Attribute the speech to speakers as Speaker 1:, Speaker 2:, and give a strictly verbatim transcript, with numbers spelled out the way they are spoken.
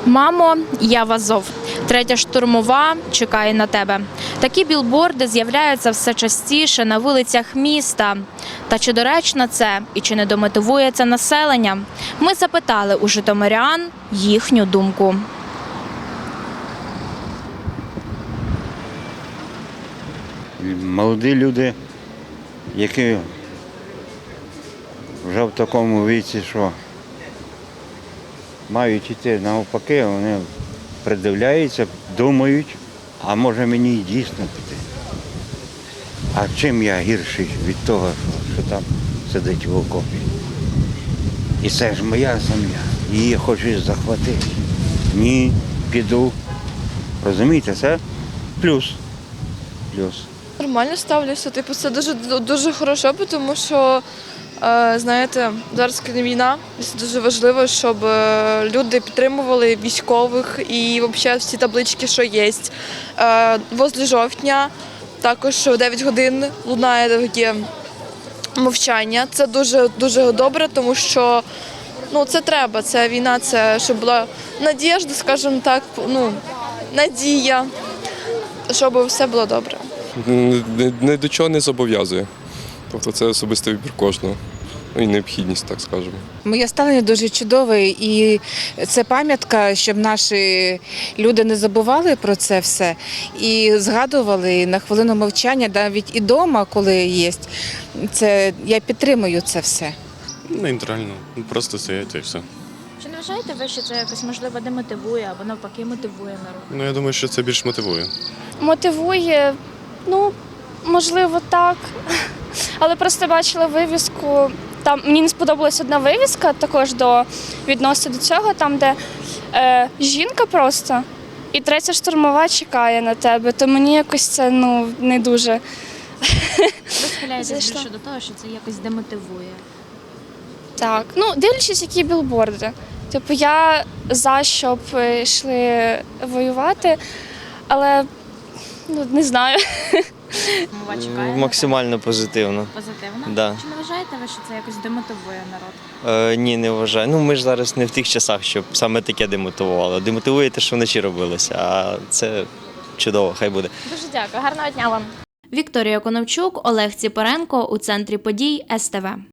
Speaker 1: Мамо, я в Азов. Третя штурмова чекає на тебе. Такі білборди з'являються все частіше на вулицях міста. Та чи доречно це і чи не домотивує це населення? Ми запитали у житомирян їхню думку.
Speaker 2: Молоді люди, які вже в такому віці, що мають йти навпаки, вони придивляються, думають, а може мені і дійсно піти. А чим я гірший від того, що там сидить в окопі? І це ж моя сім'я, її хочуть захватити. Ні, піду. Розумієте, це плюс. Плюс.
Speaker 3: Нормально ставлюся, типу, це дуже дуже хорошо, тому що, е, знаєте, зараз коли війна, це дуже важливо, щоб е, люди підтримували військових і взагалі всі таблички, що є. Е, возле жовтня також в дев'ять годин лунає таке мовчання. Це дуже дуже добре, тому що ну, це треба, це війна, це щоб була надіжда, скажімо так, ну, надія, щоб все було добре.
Speaker 4: Ні до чого не зобов'язує. Тобто це особистий вибір кожного. Ну і необхідність, так скажемо.
Speaker 5: Моє ставлення дуже чудове, і це пам'ятка, щоб наші люди не забували про це все і згадували на хвилину мовчання, навіть і вдома, коли є. Це, я підтримую це все.
Speaker 6: Нейтрально, просто стоять і все.
Speaker 1: Чи не вважаєте ви, що це якось можливо демотивує або навпаки мотивує народ?
Speaker 6: Ну, я думаю, що це більш мотивує.
Speaker 7: Мотивує, ну, можливо, так. Але просто бачила вивіску, там мені не сподобалась одна вивіска, також до відносно до цього, там, де е, жінка просто, і третя штурмова чекає на тебе, то мені якось це, ну, не дуже.
Speaker 1: Ви схиляєтесь більше до того, що це якось демотивує?
Speaker 7: Так, ну, дивлячись, які білборди. Типу, я за, щоб йшли воювати, але, ну, не знаю.
Speaker 1: Мова чекає?
Speaker 8: Максимально позитивно.
Speaker 1: Позитивно?
Speaker 8: Да.
Speaker 1: Чи не вважаєте ви, що це якось демотивує народ?
Speaker 8: Е, ні, не вважаю. Ну, ми ж зараз не в тих часах, щоб саме таке демотивувало. Демотивує те, що вночі робилося, а це чудово, хай буде.
Speaker 1: Дуже дякую, гарного дня вам. Вікторія Коновчук, Олег Ціпоренко у центрі подій ес те ве.